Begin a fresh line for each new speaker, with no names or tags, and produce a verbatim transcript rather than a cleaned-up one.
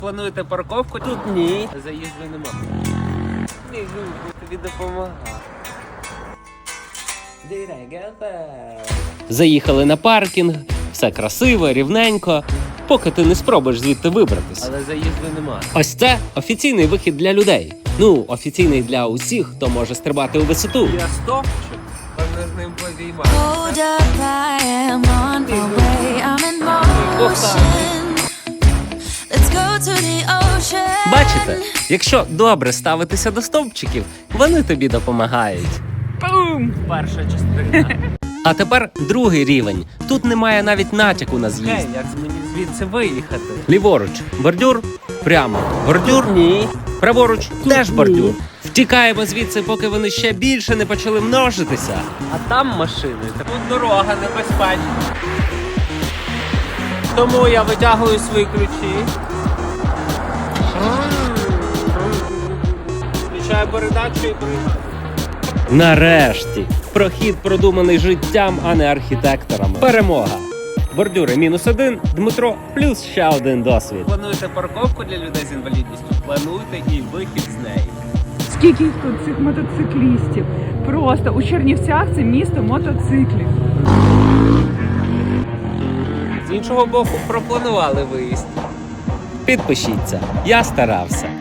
Плануєте парковку? Тут ні. Заїзду нема. Біжу, тобі допомагаю. Заїхали на паркінг, все красиво, рівненько, поки ти не спробуєш звідти вибратись. Але заїзду нема. Ось це офіційний вихід для людей. Ну, офіційний для усіх, хто може стрибати у висоту. Я стопчу, можна з ним повіймати. Бачите, якщо добре ставитися до стовпчиків, вони тобі допомагають. Пум! Перша частина. А тепер другий рівень. Тут немає навіть натяку на з'їзд. Гей, як мені звідси виїхати? Ліворуч бордюр, прямо бордюр, ні. Праворуч теж бордюр. Втікаємо звідси, поки вони ще більше не почали множитися. А там машини. Тут дорога небезпечна. Тому я витягую свої ключі. Включаю передачу і приймаю. Нарешті! Прохід продуманий життям, а не архітекторами. Перемога! Бордюри мінус один, Дмитро плюс ще один досвід. Плануєте парковку для людей з інвалідністю? Плануйте і вихід з неї.
Скільки їх тут, цих мотоциклістів? Просто у Чернівцях це місто мотоциклів.
З іншого боку, пропланували виїзд. Підпишіться, я старався.